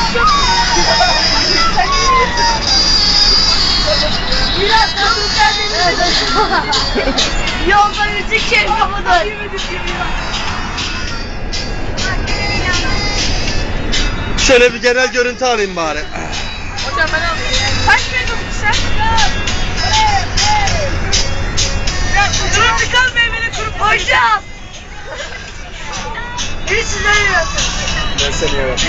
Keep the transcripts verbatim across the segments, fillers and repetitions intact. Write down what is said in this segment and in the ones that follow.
Biraz yolda müzik şerifamıdır. Şöyle bir genel görüntü alayım bari. Hocam ben alayım. Kaç metre sen? Durum çıkan meyveli kurup. Hocam. Bir sizden yapın. Ben seni evet.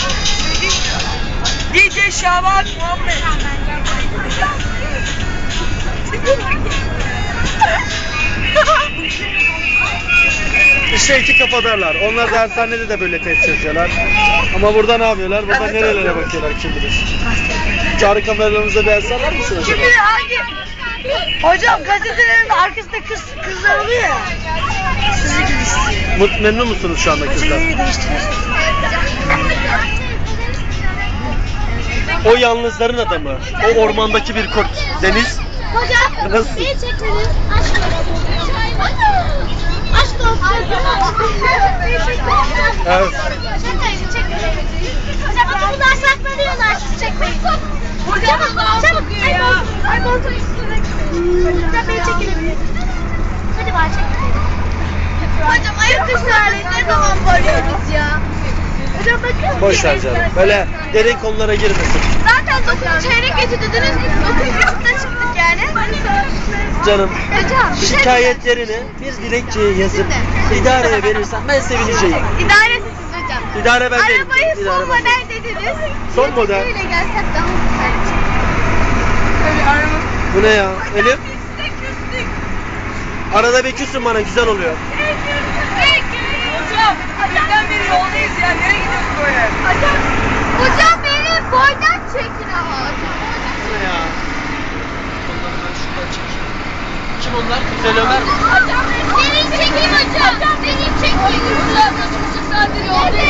D J Şaban Muhammed. İşte iki kafadarlar. Onlar dershanede de böyle test çözüyorlar. Ama burada ne yapıyorlar? Burada nerelere bakıyorlar kim bilir. Cari kameralarınızda ders alır mısınız? Kim bilir hangi? Hocam gazetelerin arkasında kız, kızlar oluyor ya. Sizi gibi istiyor. Mut, memnun musunuz şu anda kızlar? Gazeteleri değiştiriyorsunuz. O yalnızların adamı. O ormandaki bir kurt. Deniz. Hocam, nasıl? beni çekmedin. Aşk olsun. Aşk olsun. Evet. Çekmeyin, çekmeyin. Hocam bakın bunlar saklanıyorlar, siz çekmeyin. Hocam, çabuk. Ay koltuğun, ay koltuğun üstüne. Hocam beni çekilebilir. Hadi var çekilelim. Hocam ayaküstü hali ne zaman varıyoruz ya? Hocam bakın. Boş ver canım. Böyle derin konulara girmesin. Zaten dokuz çeyrek getirdiniz. dokuz buçukta çıktık yani. Canım. Hocam. Şikayetlerini bir dilekçeye yazıp idareye verirsen ben sevineceğim. İdaresiz hocam. İdare ben değilim. Arabayı İdare son ben değilim. model dediniz. Son model. Öyle gelsek daha güzel. Öyle aramız. Bu ne ya? Elif? Arada bir küsün bana, güzel oluyor. Hocam, bizden beri yoldayız ya. Nereye gidiyorsun böyle? Hocam, hocam beni boydan çekin ama. Bu ne ya? Onları ben şuradan çekeyim. Kim onlar? Güzel Ömer mi? Hocam beni çekeyim hocam. Beni çekeyim. Hocam, buçuk saattir yoldayız.